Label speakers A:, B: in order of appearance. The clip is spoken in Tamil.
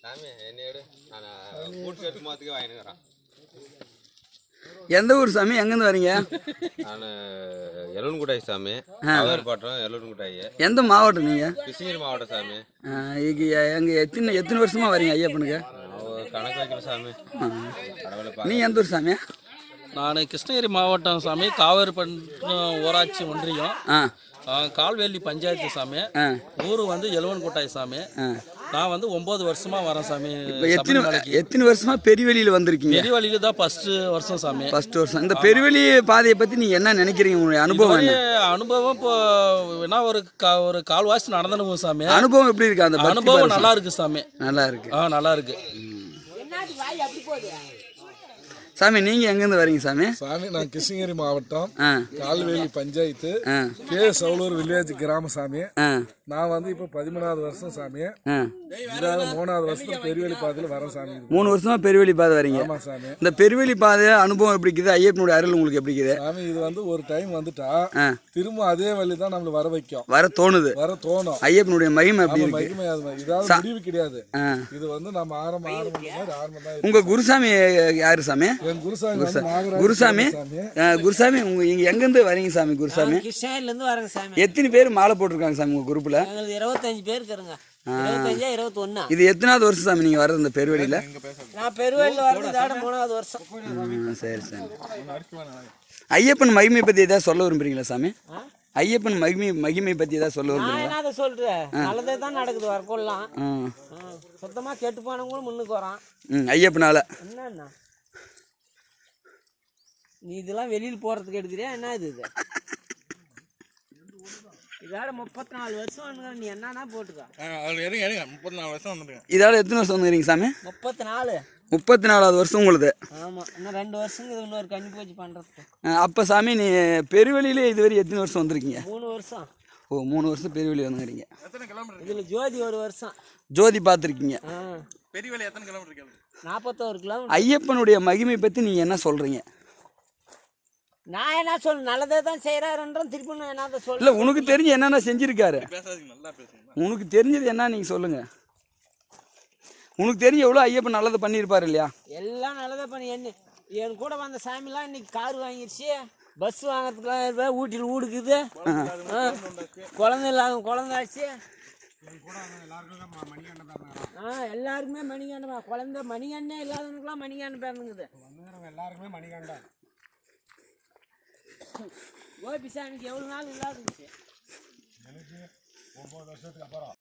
A: எந்த ஊர் சாமி? எங்கேருந்து வரீங்க?
B: நான் எல்லூன்குட்டாய் சாமி, பட்டம் எல்லூன்குட்டாய்.
A: எந்த மாவட்டம் நீங்கள்?
B: கிருஷ்ணகிரி மாவட்டம் சாமி.
A: எங்கே எத்தனை வருஷமாக வரீங்க ஐயப்பனுக்கு?
B: கணக்கு வைக்கிற சாமி.
A: நீ எந்த ஊர் சாமி?
C: நான் கிருஷ்ணகிரி மாவட்டம் சாமி, காவேரிப்பட்டினம் ஊராட்சி ஒன்றியம், கால்வேலி பஞ்சாயத்து சாமி. ஊர் வந்து எலுவன்கோட்டாய் சாமி. நான் வந்து 9 வருஷமா வரேன் சாமி.
A: எத்தனை வருஷமா பெரியவெளியில் வந்திருக்கீங்க?
C: பெரியவெளியில தான் ஃபர்ஸ்ட் வருஷம் சாமி.
A: ஃபர்ஸ்ட் வருஷம். இந்த பெரியவெளி பாதையை பற்றி நீங்க என்ன நினைக்கிறீங்க? உங்களுடைய அனுபவம்?
C: அனுபவம் இப்போ என்ன ஒரு கால்வாசி நடந்தனும் சாமி.
A: அனுபவம் எப்படி இருக்கு? அந்த
C: அனுபவம் நல்லா இருக்கு சாமி.
A: நல்லா இருக்கு.
C: நல்லா இருக்கு
A: சாமி. நீங்க எங்கேருந்து வரீங்க சாமி?
D: சாமி நான் கிருஷ்ணகிரி மாவட்டம், கால்வேலி பஞ்சாயத்து, கே சவுலூர் வில்லேஜ் கிராம சாமி. நான் வந்து இப்போ 13வது வருஷம் சாமி. 3வது வருஷம் பெரியவெளி பாதையில் வரேன் சாமி.
A: 3 வருஷமா பெரியவெளி பாதை வரீங்க?
D: ஆமா சாமி.
A: இந்த பெரியவெளி பாதை அனுபவம் எப்படி இருக்குது? ஐயப்பனுடைய அருள் உங்களுக்கு எப்படி இருக்குது
D: சாமி? இது வந்து ஒரு டைம் வந்துட்டா திரும்ப அதே வழி தான் நம்மள வர வைக்கும்,
A: வர தோணுது. ஐயப்பனுடைய மகிமை அப்படி இருக்கு.
D: மகிமை இதாவது முடிவு கிடையாது. இது வந்து நம்ம ஆரம்பம் தான்.
A: உங்க குருசாமி யாரு சாமி? குருசாமி. குருசாமி இங்க எங்க இருந்து வரீங்க சாமி? குருசாமி
E: கிருஷ்ணகிரில இருந்து வரேங்க சாமி.
A: எத்தனை பேர் மாலை போட்டிருக்காங்க சாமி உங்க குரூப்ல?
E: 25 பேர் இருக்காங்க. 25 21.
A: இது எத்தனாவது வருஷம் சாமி நீங்க வர்றது இந்த பெருவெளியில?
E: நான் பெருவெளியில வர்றது 3வது வருஷம்.
A: சரி சாமி. ஐயப்பன் மகிமை பத்தி ஏதாவது சொல்ல விரும்புறீங்களா சாமி? ஐயப்பன் மகிமை பத்தி ஏதாவது சொல்ல விரும்புறீங்களா?
E: நான் என்ன சொல்றேன், நல்லதே தான் நடக்குது. வரக்கொள்ளலாம் சுத்தமா கெட்டு போனவங்களும் முன்னுக்கு வரான்
A: ஐயப்பனால.
E: என்னன்னா நீ இதெல்லாம் வெளியில் போறதுக்கு எடுக்கிறியா? என்ன இது? இதோட 34 வருஷம் நீ என்னன்னா போட்டுக்க.
D: 34 வருஷம் வந்துருங்க.
A: இதோட எத்தனை வருஷம் வந்துறீங்க சாமி? 34வது வருஷம் உங்களுக்கு.
E: ஆமா, இன்னும் 2 வருஷம் இது இன்னொரு கண்ணி போச்சு பண்றதுக்கு.
A: அப்ப சாமி நீ பெருவெளியில இதுவரை எத்தனை வருஷம் வந்திருக்கீங்க?
E: 3 வருஷம்.
A: ஓ, 3 வருஷம் பெருவெளி வந்துக்கிறீங்க.
E: இதுல ஜோதி 1 வருஷம்.
A: ஜோதி பார்த்துருக்கீங்க.
D: பெரியவெளி எத்தனை கிலோமீட்டர்?
E: 41 கிலோமீட்டர்.
A: ஐயப்பனுடைய மகிமை பத்தி நீங்க என்ன சொல்றீங்க?
E: நான் என்ன சொல்ல, நல்லதே தான் செய்யறாருன்றோம். திருப்பி நான் என்ன சொல்ல?
A: இல்ல, உனக்கு தெரிஞ்சு என்னென்ன செஞ்சிருக்காரு? உனக்கு தெரிஞ்சது என்ன நீங்க சொல்லுங்க. உனக்கு தெரிஞ்ச எவ்வளோ ஐயப்பன் நல்லது பண்ணியிருப்பாரு இல்லையா?
E: எல்லாம் நல்லதே பண்ணி. என் கூட வந்த சாமிலாம் இன்னைக்கு கார் வாங்கிடுச்சு, பஸ் வாங்குறதுக்குலாம் ஊட்டியில் ஊடுக்குது, குழந்தை இல்லாத குழந்தாச்சு. எல்லாருக்குமே மணிகண்டம். குழந்தை மணிகண்ணே இல்லாதவனுக்குலாம் மணிகண்டம் பிறந்துங்குது.
D: எல்லாருக்குமே மணிகண்டம்.
E: கோபிசாமிக்கு எவ்வளோ நாள் இல்லாத 9
D: வருஷத்துக்கு அப்புறம்